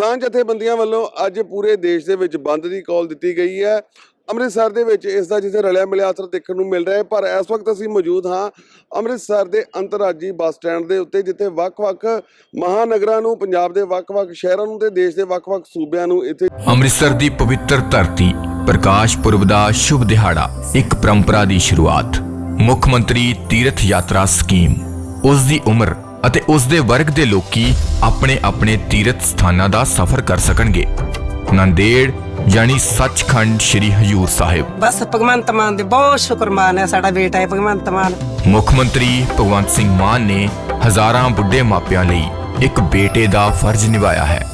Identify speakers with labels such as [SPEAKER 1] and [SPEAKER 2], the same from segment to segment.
[SPEAKER 1] किसान जथेबंदियां ਵੱਲੋਂ ਅੱਜ ਪੂਰੇ ਦੇਸ਼ ਦੇ ਵਿੱਚ ਬੰਦ ਦੀ ਕਾਲ ਦਿੱਤੀ ਗਈ ਹੈ। ਅੰਮ੍ਰਿਤਸਰ ਦੇ ਵਿੱਚ ਇਸ ਦਾ ਜਿੱਥੇ ਰਲਿਆ ਮਿਲਿਆ ਅਸਰ ਦੇਖਣ ਨੂੰ ਮਿਲ ਰਿਹਾ ਹੈ, ਪਰ ਇਸ ਵਕਤ ਅਸੀਂ ਮੌਜੂਦ ਹਾਂ ਅੰਮ੍ਰਿਤਸਰ ਦੇ ਅੰਤਰਰਾਜੀ ਬੱਸ ਸਟੈਂਡ ਦੇ ਉੱਤੇ, ਜਿੱਥੇ ਵੱਖ-ਵੱਖ ਮਹਾਨਗਰਾਂ ਨੂੰ, ਪੰਜਾਬ ਦੇ ਵੱਖ-ਵੱਖ ਸ਼ਹਿਰਾਂ ਨੂੰ ਤੇ ਦੇਸ਼ ਦੇ ਵੱਖ-ਵੱਖ ਸੂਬਿਆਂ ਨੂੰ ਇੱਥੇ
[SPEAKER 2] ਅੰਮ੍ਰਿਤਸਰ ਦੀ ਪਵਿੱਤਰ ਧਰਤੀ, ਪ੍ਰਕਾਸ਼ ਪੁਰਬ ਦਾ ਸ਼ੁਭ ਦਿਹਾੜਾ, ਇੱਕ ਪਰੰਪਰਾ ਦੀ ਸ਼ੁਰੂਆਤ। ਮੁੱਖ ਮੰਤਰੀ ਤੀਰਥ ਯਾਤਰਾ ਸਕੀਮ, ਉਸ ਦੀ ਉਮਰ ਅਤੇ ਉਸ ਦੇ ਵਰਗ ਦੇ ਲੋਕੀ ਆਪਣੇ ਆਪਣੇ ਤੀਰਥ ਸਥਾਨਾਂ ਦਾ ਸਫ਼ਰ ਕਰ ਸਕਣਗੇ। ਨੰਦੇੜ यानी सचखंड श्री हजूर साहिब।
[SPEAKER 3] बस भगवंत मान दे बहुत शुक्रमान है, साडा बेटा है भगवंत मान।
[SPEAKER 2] मुख मंत्री भगवंत सिंह मान ने हजारां बुढ़े मापियां लई एक बेटे दा फर्ज निभाया है।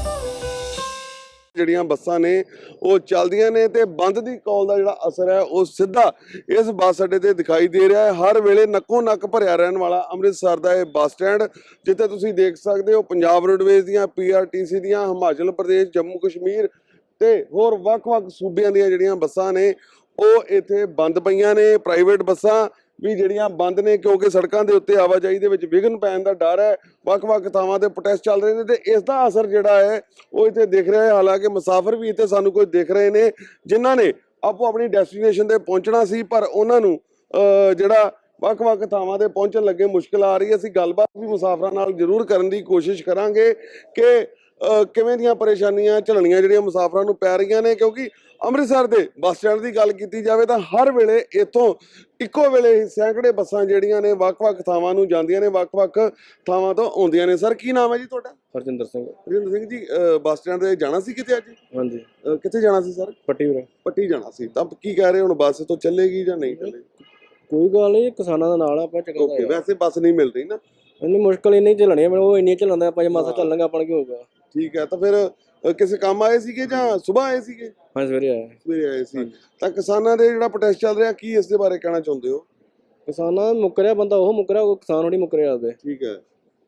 [SPEAKER 1] ਜਿਹੜੀਆਂ ਬੱਸਾਂ ਨੇ ਉਹ ਚੱਲਦੀਆਂ ਨੇ ਤੇ ਬੰਦ ਦੀ ਕਾਲ ਦਾ ਜਿਹੜਾ ਅਸਰ ਹੈ ਉਹ ਸਿੱਧਾ ਇਸ ਬੱਸ ਅੱਡੇ ਤੇ ਦਿਖਾਈ ਦੇ ਰਿਹਾ ਹੈ। ਹਰ ਵੇਲੇ ਨੱਕੋ ਨੱਕ ਭਰਿਆ ਰਹਿਣ ਵਾਲਾ ਅੰਮ੍ਰਿਤਸਰ ਦਾ ਇਹ ਬੱਸ ਸਟੈਂਡ, ਜਿੱਥੇ ਤੁਸੀਂ ਦੇਖ ਸਕਦੇ ਹੋ ਪੰਜਾਬ ਰੋਡਵੇਜ਼ ਦੀਆਂ, PRTC ਦੀਆਂ, ਹਿਮਾਚਲ ਪ੍ਰਦੇਸ਼, ਜੰਮੂ ਕਸ਼ਮੀਰ ਤੇ ਹੋਰ ਵੱਖ-ਵੱਖ ਸੂਬਿਆਂ ਦੀਆਂ ਜਿਹੜੀਆਂ ਬੱਸਾਂ ਨੇ ਉਹ ਇੱਥੇ ਬੰਦ ਪਈਆਂ ਨੇ। ਪ੍ਰਾਈਵੇਟ ਬੱਸਾਂ ਵੀ ਜਿਹੜੀਆਂ ਬੰਦ ਨੇ ਕਿਉਂਕਿ ਸੜਕਾਂ ਦੇ ਉੱਤੇ ਆਵਾਜਾਈ ਦੇ ਵਿੱਚ ਵਿਘਨ ਪੈਣ ਦਾ ਡਰ ਹੈ। ਵੱਖ-ਵੱਖ ਥਾਵਾਂ ਤੇ ਪ੍ਰੋਟੈਸਟ ਚੱਲ ਰਹੇ ਨੇ ਤੇ ਇਸ ਦਾ ਅਸਰ ਜਿਹੜਾ ਹੈ ਉਹ ਇੱਥੇ ਦਿਖ ਰਿਹਾ ਹੈ। ਹਾਲਾਂਕਿ ਮੁਸਾਫਰ ਵੀ ਇੱਥੇ ਸਾਨੂੰ ਕੋਈ ਦਿਖ ਰਹੇ ਨੇ ਜਿਨ੍ਹਾਂ ਨੇ ਆਪੋ ਆਪਣੀ ਡੈਸਟੀਨੇਸ਼ਨ ਤੇ ਪਹੁੰਚਣਾ ਸੀ, ਪਰ ਉਹਨਾਂ ਨੂੰ ਜਿਹੜਾ ਵੱਖ-ਵੱਖ ਥਾਵਾਂ ਤੇ ਪਹੁੰਚਣ ਲੱਗੇ ਮੁਸ਼ਕਿਲ ਆ ਰਹੀ ਹੈ। ਅਸੀਂ ਗੱਲਬਾਤ ਵੀ ਮੁਸਾਫਰਾਂ ਨਾਲ ਜ਼ਰੂਰ ਕਰਨ ਦੀ ਕੋਸ਼ਿਸ਼ ਕਰਾਂਗੇ ਕਿ ਕਿਵੇਂ ਦੀਆਂ ਪਰੇਸ਼ਾਨੀਆਂ ਝੱਲਣੀਆਂ ਜਿਹੜੀਆਂ ਮੁਸਾਫਰਾਂ ਨੂੰ ਪੈ ਰਹੀਆਂ ਨੇ, ਕਿਉਂਕਿ ਅੰਮ੍ਰਿਤਸਰ ਦੇ ਬੱਸ ਸਟੈਂਡ ਦੀ ਗੱਲ ਕੀਤੀ ਜਾਵੇ ਤਾਂ ਹਰ ਵੇਲੇ ਇੱਥੋਂ ਇੱਕੋ ਵੇਲੇ ਹੀ ਸੈਂਕੜੇ ਬੱਸਾਂ ਜਿਹੜੀਆਂ ਨੇ ਵੱਖ-ਵੱਖ ਥਾਵਾਂ ਨੂੰ ਜਾਂਦੀਆਂ ਨੇ, ਵੱਖ-ਵੱਖ ਥਾਵਾਂ ਤੋਂ ਆਉਂਦੀਆਂ ਨੇ। ਸਰ, ਕੀ ਨਾਮ ਹੈ ਜੀ ਤੁਹਾਡਾ?
[SPEAKER 4] ਹਰਜਿੰਦਰ ਸਿੰਘ।
[SPEAKER 1] ਹਰਜਿੰਦਰ ਸਿੰਘ ਜੀ, ਬੱਸ ਸਟੈਂਡ ਤੇ ਜਾਣਾ ਸੀ ਕਿਤੇ ਅੱਜ?
[SPEAKER 4] ਹਾਂਜੀ।
[SPEAKER 1] ਕਿੱਥੇ ਜਾਣਾ ਸੀ ਸਰ? ਪੱਟੀ ਜਾਣਾ ਸੀ। ਤਾਂ ਕੀ ਕਹਿ ਰਹੇ ਹੁਣ, ਬੱਸ ਤੋਂ ਚੱਲੇਗੀ ਜਾਂ ਨਹੀਂ ਚੱਲੇਗੀ?
[SPEAKER 4] ਕੋਈ ਗੱਲ ਨਹੀਂ, ਕਿਸਾਨਾਂ ਦਾ ਨਾਲ ਆਪਾਂ ਚੱਕਰ।
[SPEAKER 1] ਓਕੇ, ਵੈਸੇ ਬੱਸ ਨਹੀਂ ਮਿਲ ਰਹੀ ਨਾ?
[SPEAKER 4] ਇੰਨੀ ਮੁਸ਼ਕਲ ਹੀ ਨਹੀਂ ਝੱਲਣੀ, ਉਹ ਇੰਨੀ ਝੱਲਣ ਦਾ ਆਪਾਂ ਜੇ ਮਾਸਾ ਚੱਲਾਂਗੇ ਆਪਾਂ ਕੀ ਹੋਊਗਾ।
[SPEAKER 1] ਠੀਕ ਹੈ, ਤਾਂ ਫਿਰ ਕਿਸੇ ਕੰਮ ਆਏ ਸੀਗੇ ਜਾਂ ਸੁਬਾਹ ਆਏ ਸੀਗੇ?
[SPEAKER 4] ਹਾਂ, ਸਵੇਰੇ
[SPEAKER 1] ਆਏ ਸੀ। ਤਾਂ ਕਿਸਾਨਾਂ ਦੇ ਜਿਹੜਾ ਪ੍ਰੋਟੈਸਟ ਚੱਲ ਰਿਹਾ, ਕੀ ਇਸ ਦੇ ਬਾਰੇ ਕਹਿਣਾ ਚਾਹੁੰਦੇ ਹੋ?
[SPEAKER 4] ਕਿਸਾਨਾਂ ਮੁੱਕਰਿਆ ਬੰਦਾ ਉਹ ਮੁੱਕਰਿਆ, ਉਹ ਕਿਸਾਨ ਥੋੜੀ ਮੁੱਕਰਿਆ ਆਪਦੇ।
[SPEAKER 1] ਠੀਕ ਹੈ,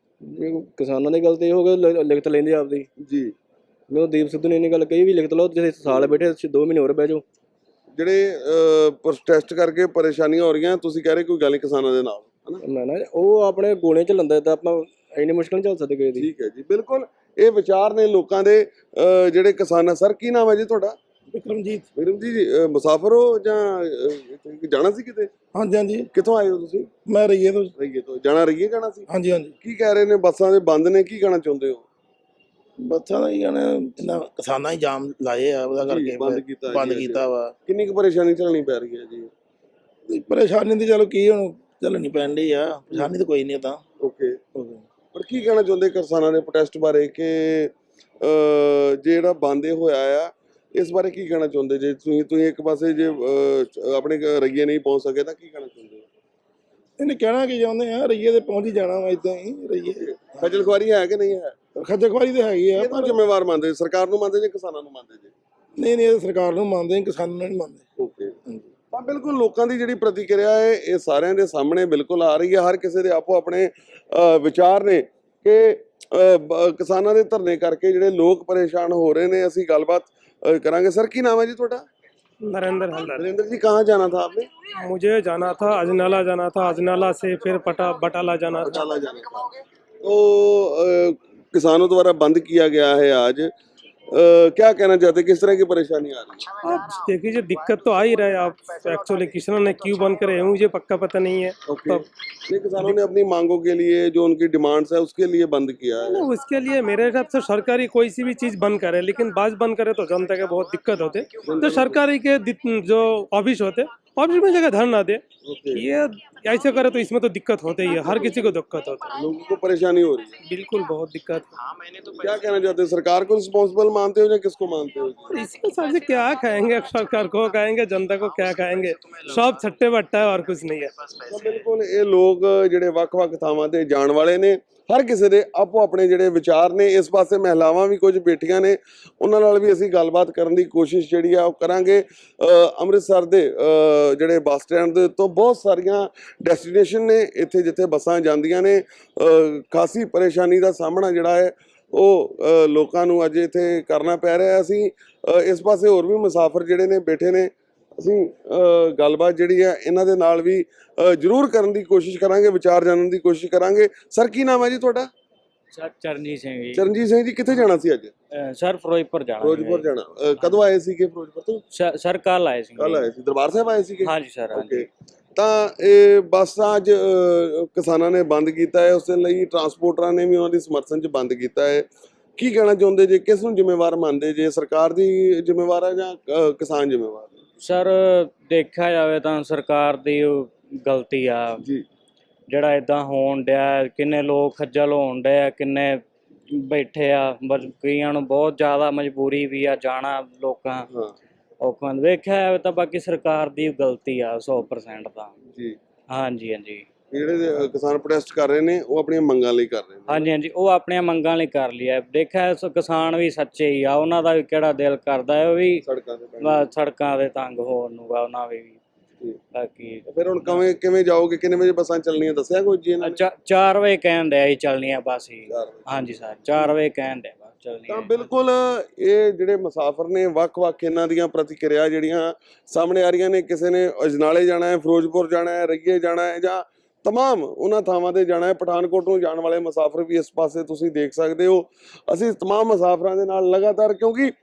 [SPEAKER 4] ਜੇ ਕਿਸਾਨਾਂ ਦੀ ਗੱਲ ਤੇ ਇਹ ਹੋ ਗਿਆ ਲਿਖਤ ਲੈਂਦੇ ਆਪਦੀ
[SPEAKER 1] ਜੀ।
[SPEAKER 4] ਮੈਨੂੰ ਦੀਪ ਸਿੱਧੂ ਨੇ ਇੰਨੀ ਗੱਲ ਕਹੀ ਵੀ ਲਿਖਤ ਲਓ, ਜੇ ਸਾਲ ਬੈਠੇ 2 ਮਹੀਨੇ ਹੋਰ ਬਹਿ ਜਾਓ।
[SPEAKER 1] ਜਿਹੜੇ ਪ੍ਰੋਟੈਸਟ ਕਰਕੇ ਪਰੇਸ਼ਾਨੀਆਂ ਹੋ ਰਹੀਆਂ, ਤੁਸੀਂ ਕਹਿ ਰਹੇ ਕੋਈ ਗੱਲ ਨਹੀਂ ਕਿਸਾਨਾਂ ਦੇ ਨਾਲ,
[SPEAKER 4] ਨਾ ਉਹ ਆਪਣੇ ਗੋਲੇ ਚ ਲੰਦਾ ਤਾਂ ਆਪਾਂ ਇੰਨੀ ਮੁਸ਼ਕਲ ਨਹੀਂ ਝੱਲ ਸਕਦੇ ਕਿਸੇ ਦੀ।
[SPEAKER 1] ਠੀਕ ਹੈ ਜੀ, ਬਿਲਕੁਲ ਇਹ ਵਿਚਾਰ ਨੇ ਲੋਕਾਂ ਦੇ ਜਿਹੜੇ ਕਿਸਾਨ। ਸਰ, ਕੀ ਨਾਮ ਹੈ ਜੀ ਤੁਹਾਡਾ?
[SPEAKER 5] ਵਿਕਰਮਜੀਤ।
[SPEAKER 1] ਵਿਕਰਮਜੀਤ ਜੀ, ਮੁਸਾਫਰ ਹੋ ਜਾਂ ਜਾਣਾ ਸੀ ਕਿਤੇ?
[SPEAKER 5] ਹਾਂਜੀ ਹਾਂਜੀ।
[SPEAKER 1] ਕਿੱਥੋਂ ਆਏ ਹੋ ਤੁਸੀਂ?
[SPEAKER 5] ਮੈਂ ਰਈਏ ਤੋਂ।
[SPEAKER 1] ਰਈਏ ਤੋਂ ਜਾਣਾ ਸੀ?
[SPEAKER 5] ਹਾਂਜੀ ਹਾਂਜੀ।
[SPEAKER 1] ਕੀ ਕਹਿ ਰਹੇ ਨੇ, ਬੱਸਾਂ ਦੇ ਬੰਦ ਨੇ, ਕੀ ਕਹਿਣਾ ਚਾਹੁੰਦੇ ਹੋ?
[SPEAKER 5] ਬੱਸਾਂ ਦਾ ਹੀ ਕਹਿਣਾ, ਕਿਸਾਨਾਂ ਹੀ ਜਾਮ ਲਾਏ ਆ, ਉਹਦਾ ਕਰਕੇ ਬੰਦ ਕੀਤਾ ਵਾ।
[SPEAKER 1] ਕਿੰਨੀ ਕੁ ਪਰੇਸ਼ਾਨੀ ਝੱਲਣੀ ਪੈ ਰਹੀ ਹੈ ਜੀ?
[SPEAKER 5] ਪਰੇਸ਼ਾਨੀ ਤੇ ਚਲੋ ਕੀ ਹੁਣ ਝੱਲਣੀ ਪੈਣ ਡਈ ਆ, ਪਰੇਸ਼ਾਨੀ ਤਾਂ ਕੋਈ ਨਹੀਂ ਤਾਂ।
[SPEAKER 1] ਓਕੇ, ਪਰ ਕੀ ਕਹਿਣਾ ਚਾਹੁੰਦੇ ਕਿਸਾਨਾਂ ਦੇ ਪ੍ਰੋਟੈਸਟ ਬਾਰੇ ਕਿ ਜਿਹੜਾ ਬੰਦ ਹੋਇਆ ਆ, ਇਸ ਬਾਰੇ ਕੀ ਕਹਿਣਾ ਚਾਹੁੰਦੇ? ਜੇ ਤੁਸੀਂ ਇੱਕ ਪਾਸੇ ਜੇ ਆਪਣੇ ਰਈਏ ਨਹੀਂ ਪਹੁੰਚ ਸਕੇ ਤਾਂ ਕੀ ਕਹਿਣਾ ਚਾਹੁੰਦੇ ਹੋ?
[SPEAKER 5] ਇਹਨੇ ਕਹਿਣਾ ਕੀ ਚਾਹੁੰਦੇ ਆ, ਰਈਏ ਤੇ ਪਹੁੰਚ ਹੀ ਜਾਣਾ ਵਾ। ਇਦਾਂ ਹੀ ਰਈਏ
[SPEAKER 1] ਖੱਜਲ ਖੁਆਰੀ ਹੈ ਕਿ ਨਹੀਂ ਹੈ?
[SPEAKER 5] ਖੱਜਲ ਖੁਆਰੀ ਤੇ ਹੈਗੀ ਆ,
[SPEAKER 1] ਪਰ ਜ਼ਿੰਮੇਵਾਰ ਮੰਨਦੇ ਸਰਕਾਰ ਨੂੰ ਮੰਨਦੇ ਜਾਂ ਕਿਸਾਨਾਂ ਨੂੰ ਮੰਨਦੇ ਜੀ?
[SPEAKER 5] ਨਹੀਂ ਇਹ ਸਰਕਾਰ ਨੂੰ ਮੰਨਦੇ, ਕਿਸਾਨਾਂ ਨੂੰ ਨਹੀਂ ਮੰਨਦੇ।
[SPEAKER 1] ਓਕੇ, ਤਾਂ ਬਿਲਕੁਲ ਲੋਕਾਂ ਦੀ ਜਿਹੜੀ ਪ੍ਰਤੀਕਿਰਿਆ ਹੈ ਇਹ ਸਾਰਿਆਂ ਦੇ ਸਾਹਮਣੇ ਬਿਲਕੁਲ ਆ ਰਹੀ ਹੈ। ਹਰ ਕਿਸੇ ਦੇ ਆਪੋ ਆਪਣੇ ਵਿਚਾਰ ਨੇ ਕਿ ਕਿਸਾਨਾਂ ਦੇ ਧਰਨੇ ਕਰਕੇ ਜਿਹੜੇ ਲੋਕ ਪਰੇਸ਼ਾਨ ਹੋ ਰਹੇ ਨੇ। ਅਸੀਂ ਗੱਲਬਾਤ ਕਰਾਂਗੇ। सर, की नाम है जी ਤੁਹਾਡਾ?
[SPEAKER 6] नरेंद्र हल्दर।
[SPEAKER 1] नरेंद्र जी, कहाँ जाना था आपने?
[SPEAKER 6] मुझे जाना था अजनाला, जाना था अजनाला से फिर बटाला जाना था।
[SPEAKER 1] तो किसानों द्वारा बंद किया गया है आज, क्या कहना चाहते, किस तरह की परेशानी आ रही है?
[SPEAKER 6] अब देखिए, जो दिक्कत तो आ ही रहा है। आप एक्चुअली किसानों ने क्यों बंद करे मुझे पक्का पता नहीं है।
[SPEAKER 1] तो किसानों ने अपनी मांगों के लिए, जो उनकी डिमांड्स है उसके लिए बंद किया है।
[SPEAKER 6] उसके लिए मेरे हिसाब से सरकारी कोई सी भी चीज बंद करे, लेकिन बाज बंद करे तो जनता के बहुत दिक्कत होते। तो सरकारी के जो ऑफिस होते, ऑफिस में जगह धरना दे। ये ऐसे करे तो इसमें तो दिक्कत होते ही है, हर किसी को दिक्कत होती है,
[SPEAKER 1] लोगों को परेशानी हो रही है।
[SPEAKER 6] बिल्कुल बहुत दिक्कत।
[SPEAKER 1] क्या कहना चाहते हैं, सरकार को रिस्पॉन्सिबल मानते हो या किसको मानते हो?
[SPEAKER 6] इसमें सबसे क्या खाएंगे, सरकार को खाएंगे, जनता को क्या खाएंगे, सब छट्टे बट्टा है और कुछ नहीं है।
[SPEAKER 1] बिल्कुल ये लोग ਜਿਹੜੇ ਵੱਖ-ਵੱਖ ਥਾਵਾਂ ਤੇ ਜਾਣ ਵਾਲੇ ਨੇ, ਹਰ ਕਿਸੇ ਦੇ ਆਪੋ ਆਪਣੇ ਜਿਹੜੇ ਵਿਚਾਰ ਨੇ। ਇਸ ਪਾਸੇ ਮਹਿਲਾਵਾਂ ਵੀ ਕੁਝ ਬੈਠੀਆਂ ਨੇ, ਉਹਨਾਂ ਨਾਲ ਵੀ ਅਸੀਂ ਗੱਲਬਾਤ ਕਰਨ ਦੀ ਕੋਸ਼ਿਸ਼ ਜਿਹੜੀ ਆ ਉਹ ਕਰਾਂਗੇ। ਅੰਮ੍ਰਿਤਸਰ ਦੇ ਜਿਹੜੇ ਬੱਸ ਸਟੈਂਡ ਦੇ ਤੋਂ ਬਹੁਤ ਸਾਰੀਆਂ ਡੈਸਟੀਨੇਸ਼ਨ ਨੇ ਇੱਥੇ ਜਿੱਥੇ ਬੱਸਾਂ ਜਾਂਦੀਆਂ ਨੇ। ਖਾਸੀ ਪਰੇਸ਼ਾਨੀ ਦਾ ਸਾਹਮਣਾ ਜਿਹੜਾ ਹੈ ਉਹ ਲੋਕਾਂ ਨੂੰ ਅੱਜ ਇੱਥੇ ਕਰਨਾ ਪੈ ਰਿਹਾ। ਅਸੀਂ ਇਸ ਪਾਸੇ ਹੋਰ ਵੀ ਮੁਸਾਫਰ ਜਿਹੜੇ ਨੇ ਬੈਠੇ ਨੇ, ਅਸੀਂ ਗੱਲਬਾਤ ਜਿਹੜੀ ਹੈ ਇਹਨਾਂ ਦੇ ਨਾਲ ਵੀ ਜ਼ਰੂਰ ਕਰਨ ਦੀ ਕੋਸ਼ਿਸ਼ ਕਰਾਂਗੇ, ਵਿਚਾਰ ਜਾਣਨ ਦੀ ਕੋਸ਼ਿਸ਼ ਕਰਾਂਗੇ। ਸਰ, ਕੀ ਨਾਮ ਹੈ ਜੀ ਤੁਹਾਡਾ?
[SPEAKER 7] ਸਰ ਚਰਨਜੀਤ ਸਿੰਘ ਜੀ।
[SPEAKER 1] ਚਰਨਜੀਤ ਸਿੰਘ ਜੀ ਕਿੱਥੇ ਜਾਣਾ ਸੀ ਅੱਜ?
[SPEAKER 7] ਸਰ ਫਿਰੋਜ਼ਪੁਰ ਜਾਣਾ
[SPEAKER 1] ਫਿਰੋਜ਼ਪੁਰ ਜਾਣਾ। ਕਦੋਂ ਆਏ ਸੀਗੇ ਫਿਰੋਜ਼ਪੁਰ ਤੋਂ?
[SPEAKER 7] ਸਰ ਕੱਲ ਆਏ ਸੀ।
[SPEAKER 1] ਕੱਲ ਆਏ ਸੀ, ਦਰਬਾਰ ਸਾਹਿਬ ਆਏ ਸੀਗੇ?
[SPEAKER 7] ਹਾਂਜੀ ਸਰ, ਹਾਂਜੀ।
[SPEAKER 1] ਤਾਂ ਇਹ ਬੱਸਾਂ ਅੱਜ ਕਿਸਾਨਾਂ ਨੇ ਬੰਦ ਕੀਤਾ ਹੈ, ਉਸ ਦੇ ਲਈ ਟਰਾਂਸਪੋਰਟਰਾਂ ਨੇ ਵੀ ਉਹਨਾਂ ਦੀ ਸਮਰਥਨ 'ਚ ਬੰਦ ਕੀਤਾ ਹੈ। ਕੀ ਕਹਿਣਾ ਚਾਹੁੰਦੇ ਜੇ, ਕਿਸ ਨੂੰ ਜ਼ਿੰਮੇਵਾਰ ਮੰਨਦੇ ਜੇ, ਸਰਕਾਰ ਦੀ ਜ਼ਿੰਮੇਵਾਰ ਹੈ ਜਾਂ ਕਿਸਾਨ ਜ਼ਿੰਮੇਵਾਰ?
[SPEAKER 7] ਸਰ ਦੇਖਿਆ ਜਾਵੇ ਤਾਂ ਸਰਕਾਰ ਦੀ ਗਲਤੀ ਆ
[SPEAKER 1] ਜੀ।
[SPEAKER 7] ਜਿਹੜਾ ਇਦਾਂ ਹੋਣ ਡਿਆ, ਕਿੰਨੇ ਲੋਕ ਖੱਜਲ ਹੋਣ ਡਿਆ, ਕਿੰਨੇ ਬੈਠੇ ਆ, ਕਈਆਂ ਨੂੰ ਬਹੁਤ ਜ਼ਿਆਦਾ ਮਜਬੂਰੀ ਵੀ ਆ ਜਾਣਾ, ਲੋਕਾਂ ਔਖਾਂ ਵੇਖਿਆ ਜਾਵੇ ਤਾਂ ਬਾਕੀ ਸਰਕਾਰ ਦੀ ਗਲਤੀ ਆ 100% ਤਾਂ
[SPEAKER 1] ਜੀ।
[SPEAKER 7] ਹਾਂਜੀ ਹਾਂਜੀ।
[SPEAKER 1] ਜਿਹੜੇ ਕਿਸਾਨ ਪ੍ਰੋਟੈਸਟ ਕਰ ਰਹੇ ਨੇ ਉਹ ਆਪਣੀਆਂ ਮੰਗਾਂ ਲਈ ਕਰ ਰਹੇ ਨੇ।
[SPEAKER 7] ਹਾਂਜੀ ਹਾਂਜੀ, ਉਹ ਆਪਣੀਆਂ ਮੰਗਾਂ ਲਈ ਕਰ ਲਿਆ। ਦੇਖਿਆ ਕਿਸਾਨ ਵੀ ਸੱਚੇ ਹੀ ਆ, ਉਹਨਾਂ ਦਾ ਵੀ ਕਿਹੜਾ ਦਿਲ ਕਰਦਾ ਹੈ ਉਹ ਵੀ ਸੜਕਾਂ ਦੇ ਤੰਗ ਹੋਣ ਨੂੰ ਆ, ਉਹਨਾਂ ਵੀ। ਬਾਕੀ
[SPEAKER 1] ਫਿਰ ਹੁਣ ਕਿਵੇਂ ਜਾਓਗੇ, ਕਿੰਨੇ ਵਜੇ ਬੱਸਾਂ ਚੱਲਣੀਆਂ ਦੱਸਿਆ ਕੋਈ ਜੀ?
[SPEAKER 7] 4 ਵਜੇ ਕਹਿਣ ਡਿਆ ਸੀ ਚੱਲਣੀਆਂ ਬੱਸ ਹੀ। ਹਾਂਜੀ ਸਰ, 4 ਵਜੇ ਕਹਿਣ ਡਿਆ ਬੱਸ ਚੱਲਣੀਆਂ।
[SPEAKER 1] ਤਾਂ ਬਿਲਕੁਲ ਇਹ ਜਿਹੜੇ ਮੁਸਾਫਰ ਨੇ, ਵੱਖ-ਵੱਖ ਇਹਨਾਂ ਦੀਆਂ ਪ੍ਰਤੀਕਿਰਿਆ ਜਿਹੜੀਆਂ ਸਾਹਮਣੇ ਆ ਰਹੀਆਂ ਨੇ। ਕਿਸੇ ਨੇ ਅਜਨਾਲੇ ਜਾਣਾ ਹੈ, ਫਿਰੋਜ਼ਪੁਰ ਜਾਣਾ ਹੈ, ਰਈਏ ਜਾਣਾ ਹੈ, ਜਾਂ तमाम ਉਹਨਾਂ ਥਾਵਾਂ ਤੇ ਜਾਣਾ ਹੈ। ਪਠਾਨਕੋਟ ਨੂੰ ਜਾਣ ਵਾਲੇ ਮੁਸਾਫਰ ਵੀ ਇਸ ਪਾਸੇ ਤੁਸੀਂ ਦੇਖ ਸਕਦੇ ਹੋ। ਅਸੀਂ तमाम ਮੁਸਾਫਰਾਂ ਦੇ ਨਾਲ ਲਗਾਤਾਰ, ਕਿਉਂਕਿ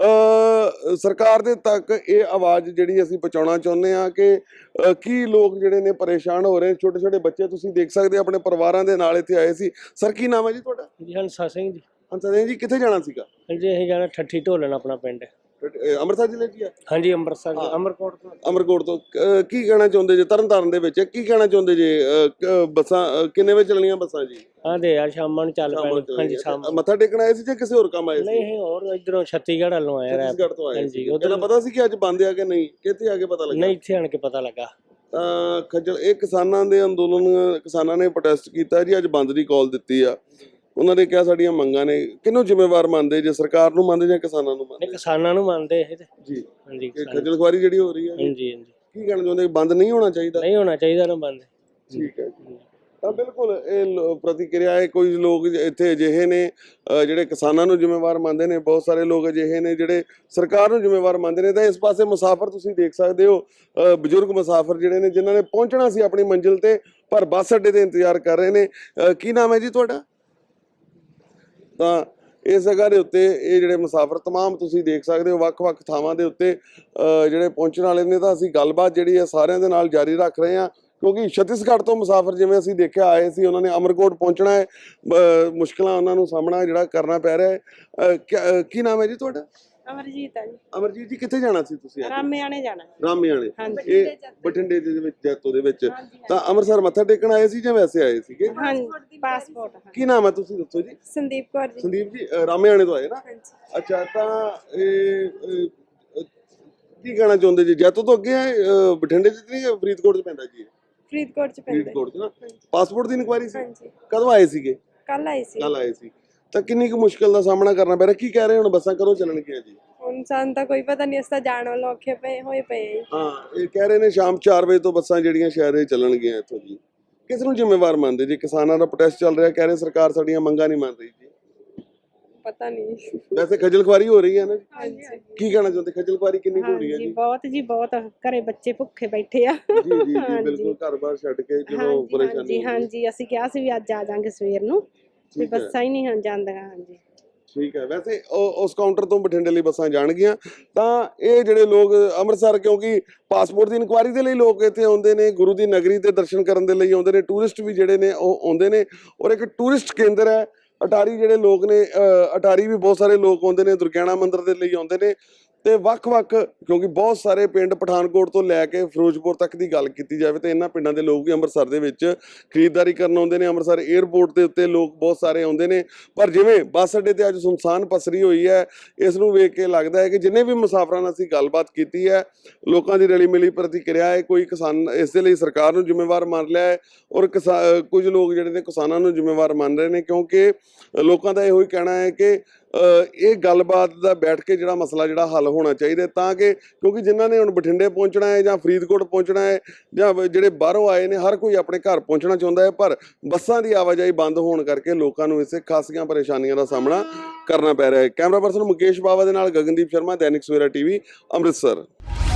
[SPEAKER 1] ਸਰਕਾਰ ਦੇ ਤੱਕ ਇਹ ਆਵਾਜ਼ ਜਿਹੜੀ ਅਸੀਂ ਪਹੁੰਚਾਉਣਾ ਚਾਹੁੰਦੇ ਹਾਂ ਕਿ ਕੀ ਲੋਕ ਜਿਹੜੇ ਨੇ ਪਰੇਸ਼ਾਨ ਹੋ ਰਹੇ। ਛੋਟੇ ਛੋਟੇ ਬੱਚੇ ਤੁਸੀਂ ਦੇਖ ਸਕਦੇ ਆਪਣੇ ਪਰਿਵਾਰਾਂ ਦੇ ਨਾਲ ਇੱਥੇ ਆਏ ਸੀ। ਸਰ ਕੀ ਨਾਮ ਹੈ ਜੀ ਤੁਹਾਡਾ?
[SPEAKER 4] ਜੀ ਹੰਸਾ ਸਿੰਘ ਜੀ।
[SPEAKER 1] ਹੰਸਾ ਸਿੰਘ ਜੀ ਕਿੱਥੇ ਜਾਣਾ ਸੀਗਾ?
[SPEAKER 4] ਜੀ ਅਸੀਂ ਜਾਣਾ ਠੱਠੀ ਢੋਲਣ, ਆਪਣਾ ਪਿੰਡ
[SPEAKER 1] ਅੰਮ੍ਰਿਤਸਰ ਜ਼ਿਲ੍ਹੇ 'ਚ ਆ?
[SPEAKER 4] ਹਾਂਜੀ ਅੰਮ੍ਰਿਤਸਰ, ਅਮਰਕੋਟ ਤੋਂ।
[SPEAKER 1] ਕੀ ਕਹਿਣਾ ਚਾਹੁੰਦੇ ਜੇ ਤਰਨਤਾਰਨ ਦੇ ਵਿੱਚ? ਕੀ ਕਹਿਣਾ ਚਾਹੁੰਦੇ ਜੇ? ਬੱਸਾਂ ਕਿੰਨੇ ਵਜੇ ਚੱਲਣੀਆਂ ਬੱਸਾਂ ਜੀ?
[SPEAKER 4] ਆਂਦੇ ਯਾਰ ਸ਼ਾਮਾਂ ਨੂੰ ਚੱਲ ਪੈਣ। ਹਾਂਜੀ ਸ਼ਾਮ
[SPEAKER 1] ਮੱਥਾ ਟੇਕਣ ਆਏ ਸੀ ਜਾਂ ਕਿਸੇ ਹੋਰ ਕੰਮ ਆਏ ਸੀ?
[SPEAKER 4] ਨਹੀਂ ਹੋਰ ਇਧਰੋਂ ਛੱਤੀਗੜ੍ਹ ਵੱਲੋਂ ਆਏ।
[SPEAKER 1] ਛੱਤੀਸਗੜ੍ਹ ਤੋਂ ਆਏ ਸੀ।
[SPEAKER 4] ਹਾਂਜੀ,
[SPEAKER 1] ਉਹਦਾ ਪਤਾ ਸੀ ਕਿ ਅੱਜ ਬੰਦ ਆ ਕਿ ਨਹੀਂ? ਕਿੱਥੇ ਆ ਕੇ ਪਤਾ ਲੱਗਾ?
[SPEAKER 4] ਨਹੀਂ, ਇੱਥੇ ਆਣ ਕੇ ਪਤਾ ਲੱਗਾ।
[SPEAKER 1] ਤਾਂ ਖੱਜਲ ਇਹ ਕਿਸਾਨਾਂ ਦੇ ਅੰਦੋਲਨ, ਕਿਸਾਨਾਂ ਨੇ ਪ੍ਰੋਟੈਸਟ ਕੀਤਾ ਜੀ, ਅੱਜ ਬੰਦ ਦੀ ਕਾਲ ਦਿੱਤੀ ਆ। ਉਹਨਾਂ ਨੇ ਕਿਹਾ ਸਾਡੀਆਂ ਮੰਗਾਂ ਨੇ। ਕਿਹਨੂੰ ਜ਼ਿੰਮੇਵਾਰ ਮੰਨਦੇ ਜੇ, ਸਰਕਾਰ ਨੂੰ ਮੰਨਦੇ ਜਾਂ ਕਿਸਾਨਾਂ ਨੂੰ ਮੰਨਦੇ?
[SPEAKER 4] ਕਿਸਾਨਾਂ ਨੂੰ ਮੰਨਦੇ ਇਹ ਤੇ ਜੀ। ਹਾਂਜੀ,
[SPEAKER 1] ਖੱਜਲ ਖੁਆਰੀ ਜਿਹੜੀ ਹੋ ਰਹੀ ਹੈ।
[SPEAKER 4] ਹਾਂਜੀ ਹਾਂਜੀ।
[SPEAKER 1] ਕੀ ਕਹਿਣਾ ਚਾਹੁੰਦੇ? ਬੰਦ ਨਹੀਂ ਹੋਣਾ ਚਾਹੀਦਾ?
[SPEAKER 4] ਨਹੀਂ ਹੋਣਾ ਚਾਹੀਦਾ ਨਾ ਬੰਦ।
[SPEAKER 1] ਠੀਕ ਹੈ। ਤਾਂ ਬਿਲਕੁਲ ਇਹ ਪ੍ਰਤੀਕਿਰਿਆ ਹੈ। ਕੋਈ ਲੋਕ ਇੱਥੇ ਅਜਿਹੇ ਨੇ ਜਿਹੜੇ ਕਿਸਾਨਾਂ ਨੂੰ ਜ਼ਿੰਮੇਵਾਰ ਮੰਨਦੇ ਨੇ, ਬਹੁਤ ਸਾਰੇ ਲੋਕ ਅਜਿਹੇ ਨੇ ਜਿਹੜੇ ਸਰਕਾਰ ਨੂੰ ਜ਼ਿੰਮੇਵਾਰ ਮੰਨਦੇ ਨੇ। ਤਾਂ ਇਸ ਪਾਸੇ ਮੁਸਾਫਰ ਤੁਸੀਂ ਦੇਖ ਸਕਦੇ ਹੋ, ਬਜ਼ੁਰਗ ਮੁਸਾਫਰ ਜਿਹੜੇ ਨੇ, ਜਿਨ੍ਹਾਂ ਨੇ ਪਹੁੰਚਣਾ ਸੀ ਆਪਣੀ ਮੰਜ਼ਿਲ ਤੇ ਪਰ ਬੱਸ ਅੱਡੇ ਤੇ ਇੰਤਜ਼ਾਰ ਕਰ ਰਹੇ ਨੇ। ਕੀ ਨਾਮ ਹੈ ਜੀ ਤੁਹਾਡਾ? ਤਾਂ ਇਸ ਜਗ੍ਹਾ ਦੇ ਉੱਤੇ ਇਹ ਜਿਹੜੇ ਮੁਸਾਫਰ तमाम ਤੁਸੀਂ ਦੇਖ ਸਕਦੇ ਹੋ ਵੱਖ-ਵੱਖ ਥਾਵਾਂ ਦੇ ਉੱਤੇ ਜਿਹੜੇ ਪਹੁੰਚਣ ਵਾਲੇ ਨੇ। ਤਾਂ ਅਸੀਂ ਗੱਲਬਾਤ ਜਿਹੜੀ ਹੈ ਸਾਰਿਆਂ ਦੇ ਨਾਲ ਜਾਰੀ ਰੱਖ ਰਹੇ ਹਾਂ, ਕਿਉਂਕਿ ਛੱਤੀਸਗੜ੍ਹ ਤੋਂ ਮੁਸਾਫਰ ਜਿਵੇਂ ਅਸੀਂ ਦੇਖਿਆ ਆਏ ਸੀ, ਉਹਨਾਂ ਨੇ ਅਮਰਕੋਟ ਪਹੁੰਚਣਾ ਹੈ। ਮੁਸ਼ਕਲਾਂ ਉਹਨਾਂ ਨੂੰ ਸਾਹਮਣਾ ਜਿਹੜਾ ਕਰਨਾ ਪੈ ਰਿਹਾ ਹੈ। ਕੀ ਨਾਮ ਹੈ ਜੀ ਤੁਹਾਡਾ?
[SPEAKER 8] ਅਮਰਜੀਤ ਹੈ ਜੀ।
[SPEAKER 1] ਅਮਰਜੀਤ ਜੀ ਕਿੱਥੇ ਜਾਣਾ ਸੀ ਤੁਸੀਂ?
[SPEAKER 8] ਰਾਮਿਆਣੇ ਜਾਣਾ।
[SPEAKER 1] ਰਾਮਿਆਣੇ? ਇਹ ਬਠਿੰਡੇ ਦੇ ਵਿੱਚ, ਜੈਤੋ ਦੇ ਵਿੱਚ। ਤਾਂ ਅੰਮ੍ਰਿਤਸਰ ਮੱਥਾ ਟੇਕਣ ਆਏ ਸੀ ਜਾਂ ਵੈਸੇ ਆਏ ਸੀਗੇ?
[SPEAKER 8] ਹਾਂਜੀ, ਪਾਸਪੋਰਟ।
[SPEAKER 1] ਕੀ ਨਾਮ ਹੈ ਤੁਸੀਂ ਦੱਸੋ ਜੀ?
[SPEAKER 8] ਸੰਦੀਪ ਕੌਰ ਜੀ।
[SPEAKER 1] ਸੰਦੀਪ ਜੀ ਰਾਮਿਆਣੇ ਤੋਂ ਆਏ ਨਾ? ਅੱਛਾ। ਤਾਂ ਇਹ ਕੀ ਕਹਿਣਾ ਚਾਹੁੰਦੇ ਜੀ? ਜੈਤੋ ਤੋਂ ਅੱਗੇ ਹੈ, ਬਠਿੰਡੇ 'ਚ ਨਹੀਂ, ਫਰੀਦਕੋਟ 'ਚ ਪੈਂਦਾ ਜੀ?
[SPEAKER 8] ਫਰੀਦਕੋਟ 'ਚ ਪੈਂਦਾ।
[SPEAKER 1] ਫਰੀਦਕੋਟ 'ਚ ਨਾ। ਪਾਸਪੋਰਟ ਦੀ ਇਨਕੁਆਇਰੀ ਸੀ?
[SPEAKER 8] ਹਾਂਜੀ।
[SPEAKER 1] ਕਦੋਂ ਆਏ ਸੀਗੇ?
[SPEAKER 8] ਕੱਲ ਆਏ ਸੀ।
[SPEAKER 1] ਕੱਲ ਆਏ ਸੀ। ਤਾਂ ਕਿੰਨੀ ਕੁ ਮੁਸ਼ਕਲ ਦਾ ਸਾਹਮਣਾ ਕਰਨਾ ਪੈ ਰਿਹਾ? ਕੀ ਕਹਿ ਰਹੇ ਹੁਣ ਬੱਸਾਂ ਕਦੋਂ ਚੱਲਣਗੀਆਂ ਜੀ?
[SPEAKER 8] ਹੁਣ ਸਾਨੂੰ ਤਾਂ ਕੋਈ ਪਤਾ ਨਹੀਂ, ਅਸੀਂ ਤਾਂ ਜਾਣ ਵਾਲੇ ਔਖੇ ਹੋਏ ਪਏ।
[SPEAKER 1] ਹਾਂ, ਇਹ ਕਹਿ ਰਹੇ ਨੇ ਸ਼ਾਮ 4 ਵਜੇ ਤੋਂ ਬੱਸਾਂ ਜਿਹੜੀਆਂ ਸ਼ਹਿਰ ਦੇ ਚੱਲਣਗੀਆਂ ਇੱਥੋਂ ਜੀ। ਕਿਸ ਨੂੰ ਜ਼ਿੰਮੇਵਾਰ ਮੰਨਦੇ ਜੀ? ਕਿਸਾਨਾਂ ਦਾ ਪ੍ਰੋਟੈਸਟ ਚੱਲ ਰਿਹਾ, ਕਹਿ ਰਹੇ ਸਰਕਾਰ ਸਾਡੀਆਂ ਮੰਗਾਂ ਨਹੀਂ ਮੰਨ ਰਹੀ ਜੀ।
[SPEAKER 8] ਪਤਾ ਨਹੀਂ।
[SPEAKER 1] ਵੈਸੇ ਖੱਜਲ ਖੁਆਰੀ ਹੋ ਰਹੀ ਹੈ ਨਾ?
[SPEAKER 8] ਹਾਂਜੀ।
[SPEAKER 1] ਕੀ ਕਹਿਣਾ ਚਾਹੁੰਦੇ? ਖੱਜਲ ਖੁਆਰੀ ਕਿੰਨੀ ਹੋ ਰਹੀ ਹੈ ਜੀ?
[SPEAKER 8] ਬਹੁਤ ਜੀ, ਬਹੁਤ। ਘਰੇ ਬੱਚੇ ਭੁੱਖੇ ਬੈਠੇ ਆ।
[SPEAKER 1] ਜੀ ਜੀ ਜੀ, ਬਿਲਕੁਲ ਘਰ-ਬਾਰ ਛੱਡ ਕੇ ਜਦੋਂ ਪਰੇਸ਼ਾਨੀ।
[SPEAKER 8] ਹਾਂਜੀ, ਅਸੀਂ ਕਿਹਾ ਸੀ ਵੀ ਅੱਜ ਆ ਜਾਾਂਗੇ ਸਵੇਰ ਨੂੰ, ਤੇ ਬੱਸਾਂ ਹੀ ਨਹੀਂ ਜਾਂਦੀਆਂ। ਹਾਂਜੀ
[SPEAKER 1] ਠੀਕ ਹੈ। ਵੈਸੇ ਉਸ ਕਾਊਂਟਰ ਤੋਂ ਬਠਿੰਡੇ ਲਈ ਬੱਸਾਂ ਜਾਣਗੀਆਂ। ਤਾਂ ਇਹ ਜਿਹੜੇ ਲੋਕ ਅੰਮ੍ਰਿਤਸਰ, ਕਿਉਂਕਿ ਪਾਸਪੋਰਟ ਦੀ ਇਨਕੁਆਇਰੀ ਦੇ ਲਈ ਲੋਕ ਇੱਥੇ ਆਉਂਦੇ ਨੇ, ਗੁਰੂ ਦੀ ਨਗਰੀ ਤੇ ਦਰਸ਼ਨ ਕਰਨ ਦੇ ਲਈ ਆਉਂਦੇ ਨੇ, ਟੂਰਿਸਟ ਵੀ ਜਿਹੜੇ ਨੇ ਉਹ ਆਉਂਦੇ ਨੇ। ਔਰ ਇੱਕ ਟੂਰਿਸਟ ਕੇਂਦਰ ਹੈ ਅਟਾਰੀ। ਜਿਹੜੇ ਲੋਕ ਨੇ ਅਟਾਰੀ ਵੀ ਬਹੁਤ ਸਾਰੇ ਲੋਕ ਆਉਂਦੇ ਨੇ, ਦੁਰਗਿਆਣਾ ਮੰਦਿਰ ਦੇ ਲਈ ਆਉਂਦੇ ਨੇ। ਤੇ ਵੱਖ-ਵੱਖ, ਕਿਉਂਕਿ ਬਹੁਤ ਸਾਰੇ ਪਿੰਡ ਪਠਾਨਕੋਟ ਤੋਂ ਲੈ ਕੇ ਫਿਰੋਜ਼ਪੁਰ ਤੱਕ ਦੀ ਗੱਲ ਕੀਤੀ ਜਾਵੇ ਤਾਂ ਇਹਨਾਂ ਪਿੰਡਾਂ ਦੇ ਲੋਕ ਵੀ ਅੰਮ੍ਰਿਤਸਰ ਦੇ ਵਿੱਚ ਖਰੀਦਦਾਰੀ ਕਰਨ ਆਉਂਦੇ ਨੇ। ਅੰਮ੍ਰਿਤਸਰ 에ਅਰਪੋਰਟ ਦੇ ਉੱਤੇ ਲੋਕ ਬਹੁਤ ਸਾਰੇ ਆਉਂਦੇ ਨੇ। ਪਰ ਜਿਵੇਂ ਬੱਸ ਅੱਡੇ ਤੇ ਅੱਜ ਸੁਨਸਾਨ ਪਸਰੀ ਹੋਈ ਹੈ, ਇਸ ਨੂੰ ਵੇਖ ਕੇ ਲੱਗਦਾ ਹੈ ਕਿ ਜਿੰਨੇ ਵੀ ਮੁਸਾਫਰਾਂ ਨਾਲ ਅਸੀਂ ਗੱਲਬਾਤ ਕੀਤੀ ਹੈ, ਲੋਕਾਂ ਦੀ ਰਲੀ ਮਿਲੀ ਪ੍ਰਤੀਕਿਰਿਆ ਹੈ। ਕੋਈ ਕਿਸਾਨ ਇਸ ਦੇ ਲਈ ਸਰਕਾਰ ਨੂੰ ਜ਼ਿੰਮੇਵਾਰ ਮੰਨ ਲਿਆ ਹੈ, ਔਰ ਕੁਝ ਲੋਕ ਜਿਹੜੇ ਨੇ ਕਿਸਾਨਾਂ ਨੂੰ ਜ਼ਿੰਮੇਵਾਰ ਮੰਨ ਰਹੇ ਨੇ, ਕਿਉਂਕਿ ਲੋਕਾਂ ਦਾ ਇਹੋ ਹੀ ਕਹਿਣਾ ਹੈ ਕਿ ਇਹ ਗੱਲਬਾਤ ਦਾ ਬੈਠ ਕੇ ਜਿਹੜਾ ਮਸਲਾ ਜਿਹੜਾ ਹੱਲ ਹੋਣਾ ਚਾਹੀਦਾ, ਤਾਂ ਕਿ ਕਿਉਂਕਿ ਜਿਨ੍ਹਾਂ ਨੇ ਹੁਣ ਬਠਿੰਡੇ ਪਹੁੰਚਣਾ ਹੈ ਜਾਂ ਫਰੀਦਕੋਟ ਪਹੁੰਚਣਾ ਹੈ ਜਾਂ ਜਿਹੜੇ ਬਾਹਰੋਂ ਆਏ ਨੇ, ਹਰ ਕੋਈ ਆਪਣੇ ਘਰ ਪਹੁੰਚਣਾ ਚਾਹੁੰਦਾ ਹੈ। ਪਰ ਬੱਸਾਂ ਦੀ ਆਵਾਜਾਈ ਬੰਦ ਹੋਣ ਕਰਕੇ ਲੋਕਾਂ ਨੂੰ ਇਸੇ ਖਾਸੀਆਂ ਪਰੇਸ਼ਾਨੀਆਂ ਦਾ ਸਾਹਮਣਾ ਕਰਨਾ ਪੈ ਰਿਹਾ ਹੈ। ਕੈਮਰਾ ਪਰਸਨ ਮੁਕੇਸ਼ ਬਾਵਾ ਦੇ ਨਾਲ ਗਗਨਦੀਪ ਸ਼ਰਮਾ, ਦੈਨਿਕ ਸਵੇਰਾ ਟੀਵੀ, ਅੰਮ੍ਰਿਤਸਰ।